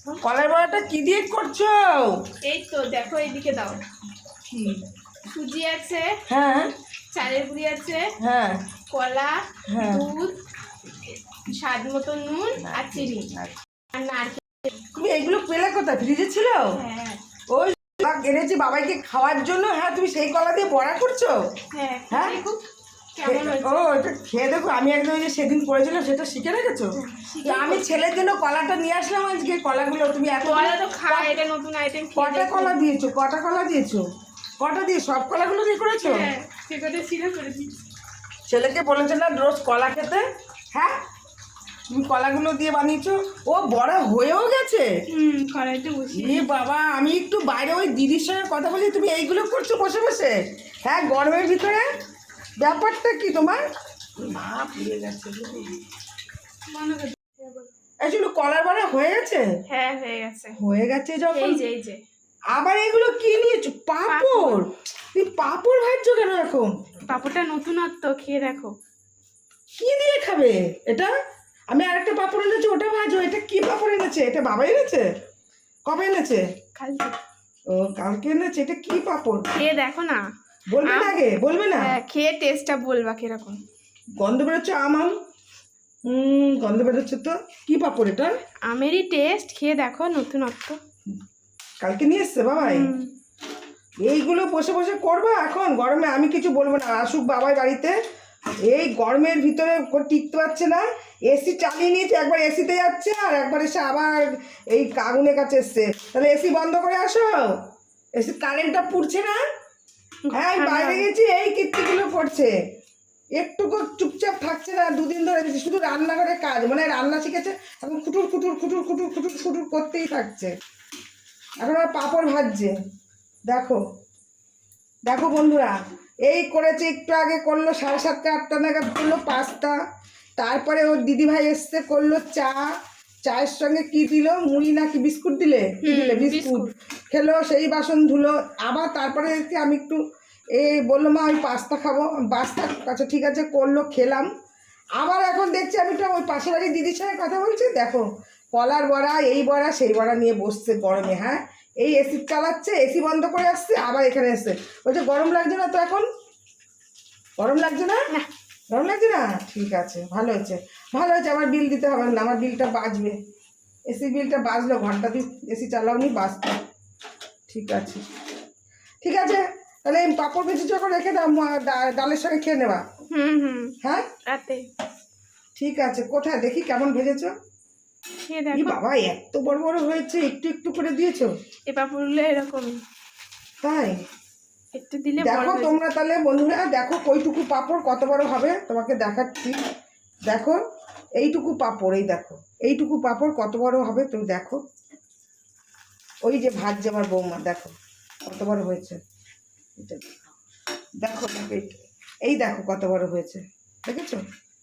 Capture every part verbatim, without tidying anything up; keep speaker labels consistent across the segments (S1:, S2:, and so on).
S1: কলার বড়াটা কি দিয়ে করছো?
S2: এই তো দেখো, এইদিকে দাও।
S1: কি?
S2: সুজি আছে,
S1: হ্যাঁ
S2: চালের গুঁড়ি আছে,
S1: হ্যাঁ
S2: কলা,
S1: হ্যাঁ।
S2: দুধ, স্বাদ মতো নুন আর চিনি আর নারকেল।
S1: তুমি এগুলো পেলে কোথায়? ফ্রিজে ছিল?
S2: হ্যাঁ
S1: ওই এনেছি বাবাইকে খাওয়ার জন্য। হ্যাঁ, তুমি সেই কলা দিয়ে বড়া করছো?
S2: হ্যাঁ
S1: হ্যাঁ
S2: দেখো কেমন হয়েছে।
S1: ও, এটা খেয়ে দেখো। আমি একদম ওই যে সেদিন করেছিলাম সেটা শিখে রেখেছো? আমি ছেলের জন্য কলাটা নিয়ে আসলাম আজকে। কলাগুলো তুমি এত
S2: কলা তো খায়, এটা নতুন আইটেম।
S1: কটা কলা দিয়েছো? কটা কলা দিয়েছো? কটা দিয়ে? সব কলাগুলো দিয়ে করেছো?
S2: হ্যাঁ, সে কথা ছিল করেছি।
S1: ছেলেকে বলেছো না রোজ কলা খেতে? হ্যাঁ, তুমি কলাগুলো দিয়ে বানিয়েছো। ও বড়া হয়েও গেছে।
S2: হুম, কড়াইতে বসিয়ে।
S1: এ বাবা, আমি একটু বাইরে ওই দিদির সঙ্গে কথা বলি, তুমি এইগুলো করছো বসে বসে? হ্যাঁ, গরমের ভিতরে ব্যাপারটা কি তোমার? মা পুড়ে গেছে। আসলে কলার বড়া হয়ে গেছে?
S2: হ্যাঁ হয়ে গেছে।
S1: হয়ে গেছে যখন,
S2: এই যে এই যে
S1: আবার এগুলো কি নিয়েছো? পাঁপড়? তুমি পাঁপড় ভাজছো কেন এখন?
S2: পাঁপড়টা নতুনত্ব, খেয়ে দেখো।
S1: কি দিয়ে খাবে এটা? আমি আরেকটা পাঁপড় এনেছি, ওটা ভাজো। এটা কি পাঁপড় এনেছে? এটা বাবা এনেছে? কবে এনেছে?
S2: কালকে।
S1: ও, কালকে এনেছে। এটা কি পাঁপড়?
S2: খেয়ে দেখো না।
S1: বলবে না আগে? বলবে না?
S2: হ্যাঁ, খেয়ে টেস্টটা বলবা কিরকম।
S1: গন্ধ বেরোচ্ছে আম আম। হুম, গন্ধ বেরোচ্ছে তো। কি পাঁপড় এটা?
S2: আমেরই টেস্ট, খেয়ে দেখো, নতুনত্ব।
S1: কালকে নিয়ে এসছে বাবাই? এইগুলো বসে বসে করবা এখন গরমে? আমি কিছু বলবো না, আসুক বাবাই বাড়িতে। এই গরমের ভিতরে টিকতে পারছে না। এসি চালিয়ে নিয়েছে, একবার এসিতে যাচ্ছে আর একবার এসে আবার এই আগুনের কাছে এসছে। তাহলে এসি বন্ধ করে আসো। এসি কারেন্টটা পুড়ছে না? হ্যাঁ, আমি বাইরে গেছি, এই কীর্তিগুলো করছে। একটুকু চুপচাপ থাকছে না। দুদিন ধরে শুধু রান্নাঘরে কাজ, মানে রান্না শিখেছে এখন। খুটুর খুটুর খুটুর খুটুর খুটুর খুটুর করতেই থাকছে। এখন আর পাঁপড় ভাজছে। দেখো দেখো বন্ধুরা, এই করেছে একটু আগে, করলো সাড়ে সাতটা আটটা নাগাদ করলো পাস্তা। তারপরে ওর দিদিভাই এসছে, করলো চা। চায়ের সঙ্গে কি দিল? মুড়ি নাকি বিস্কুট দিলে? কি দিলে? বিস্কুট খেলো, সেই বাসন ধুলো। আবার তারপরে দেখছি আমি একটু এই বললো মা আমি পাস্তা খাবো। পাস্তা, আচ্ছা ঠিক আছে, করলো, খেলাম। আবার এখন দেখছি আমি তো ওই পাশের বাড়ির দিদির সঙ্গে কথা বলছি। দেখো কলার বড়া, এই বড়া সেই বড়া নিয়ে বসছে গরমে। হ্যাঁ, এই এসি চালাচ্ছে, এসি বন্ধ করে আসছে, আবার এখানে এসছে। বলছে গরম লাগছে না তো এখন? গরম লাগছে না? গরম লাগছে না? ঠিক আছে, ভালো হয়েছে ভালো হয়েছে। আমার বিল দিতে হবে না, আমার বিলটা বাঁচবে। এসি বিলটা বাঁচলো, ঘন্টা দিন এসি চালাওনি, বাঁচতো। ঠিক আছে ঠিক আছে, তাহলে এই পাঁপড় ভেজে যখন রেখে দাও, ডালের সঙ্গে খেয়ে নেবা।
S2: হুম হুম
S1: হ্যাঁ
S2: রাতে।
S1: ঠিক আছে, কোথায় দেখি কেমন ভেজেছো?
S2: খেয়ে
S1: কি
S2: দেখো।
S1: বাবা, এত বড় বড় হয়েছে, একটু একটু করে দিয়েছো?
S2: এ পাঁপড়গুলো এরকমই,
S1: তাই?
S2: একটু দিলে বড়
S1: দেখো
S2: হয়ে
S1: তোমরা তাহলে বন্ধুরা, দেখো কইটুকু পাঁপড় কত বড় হবে, তোমাকে দেখাচ্ছি। দেখো এইটুকু পাঁপড়, এই দেখো এইটুকু পাঁপড় কত বড় হবে তুমি দেখো। ওই যে ভাজছে আমার বৌমা, দেখো কত বড় হয়েছে। এটা দেখো দেখো, এই দেখো কত বড় হয়েছে, দেখেছো?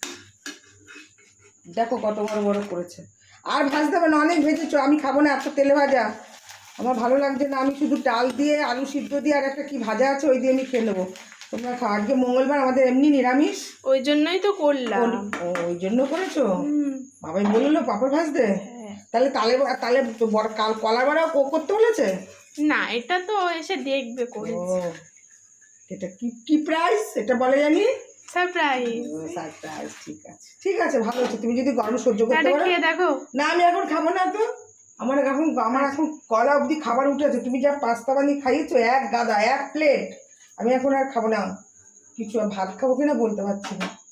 S1: দেখো কত বড় বড় করেছে। আর ভাজতে হবে না, অনেক ভেজেছো। আমি খাবো না এত তেলে ভাজা, আমার ভালো লাগছে না। আমি শুধু ডাল দিয়ে আলু সিদ্ধ দিয়ে আর একটা কি ভাজা আছে, ওই দিয়ে আমি খেয়ে নেবো। তোমরা খাও, আজকে মঙ্গলবার, আমাদের এমনি নিরামিষ।
S2: ওই জন্যই তো করলাম।
S1: ওই জন্য করেছো?
S2: হুম।
S1: বাবাই বললো পাঁপড় ভাজতে?
S2: হ্যাঁ।
S1: তাহলে তালে তাহলে বড় কাল কলার বড়াও করতে বলেছে?
S2: না, এটা তো এসে দেখবে করে।
S1: ও, এটা কি কি প্রাইস এটা বলে জানি?
S2: সারপ্রাইজ।
S1: সারপ্রাইজ। ঠিক আছে ঠিক আছে, ভালো হচ্ছে। তুমি যদি গরম সহ্য করতে পারো।
S2: খেয়ে দেখো।
S1: না, আমি এখন খাবো না তো। আমার এখন আমার এখন কলা অবধি খাবার উঠেছে। তুমি যা পাস্তা বানিয়ে খাইয়েছো, এক গাদা, এক প্লেট, আমি এখন আর খাবো না কিছু। ভাত খাবো কিনা বলতে পারছি না।